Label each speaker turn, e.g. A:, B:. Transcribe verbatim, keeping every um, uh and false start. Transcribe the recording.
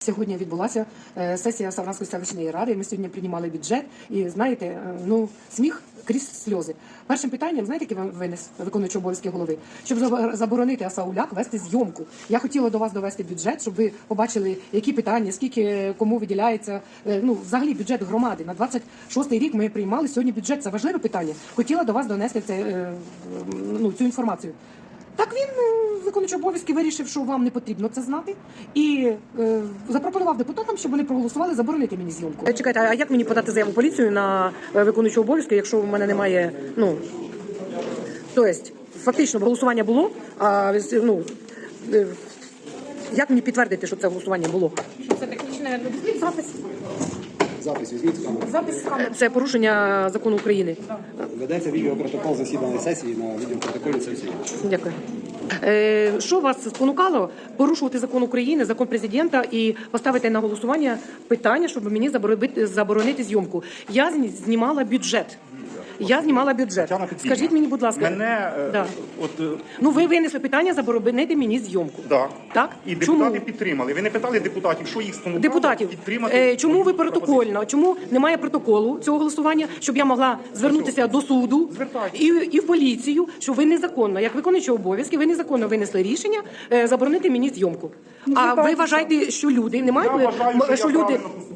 A: Сьогодні відбулася е, сесія Савранської селищної ради. Ми сьогодні приймали бюджет, і знаєте, е, ну сміх крізь сльози. Першим питанням, знаєте, який вам винес виконуючий обов'язки голови, щоб заборонити Асауляк вести зйомку. Я хотіла до вас довести бюджет, щоб ви побачили, які питання, скільки кому виділяється. Е, ну, взагалі бюджет громади на двадцять шостий рік. Ми приймали сьогодні бюджет. Це важливе питання. Хотіла до вас донести це, е, ну, цю інформацію. Так він, виконуючий обов'язки, вирішив, що вам не потрібно це знати, і е, запропонував депутатам, щоб вони проголосували заборонити мені зйомку. Чекайте, а як мені подати заяву в поліцію на виконуючого обов'язки, якщо в мене немає, ну, тобто, фактично голосування було, а, ну, е, як мені підтвердити, що це голосування було?
B: Що це технічне запис?
C: Запис візьміть з камери.
B: Запис з камери.
A: Це порушення закону України.
C: Ведеться відеопротокол засідання сесії, на відеопротоколі це всі.
A: Дякую. Е, що вас спонукало порушувати закон України, закон президента і поставити на голосування питання, щоб мені заборонити, заборонити зйомку? Я знімала бюджет. Я знімала бюджет. Скажіть мені, будь ласка.
D: Мене,
A: да.
D: от,
A: ну, ви винесли питання заборонити мені зйомку.
D: да.
A: Так?
D: І
A: Чому?
D: депутати підтримали. Ви не питали депутатів, що їх спонукало
A: Депутатів.
D: підтримати?
A: Е, чому ви
D: пропозицію?
A: протокольно? Чому немає протоколу цього голосування, щоб я могла звернутися до суду і, і в поліцію, що ви незаконно, як виконуючий обов'язки, ви незаконно винесли рішення е, заборонити мені зйомку.
B: Ну,
A: а ви
B: бачите,
A: вважаєте, що люди не мають,
D: Я вважаю, що
A: що
D: я
A: люди
D: правильно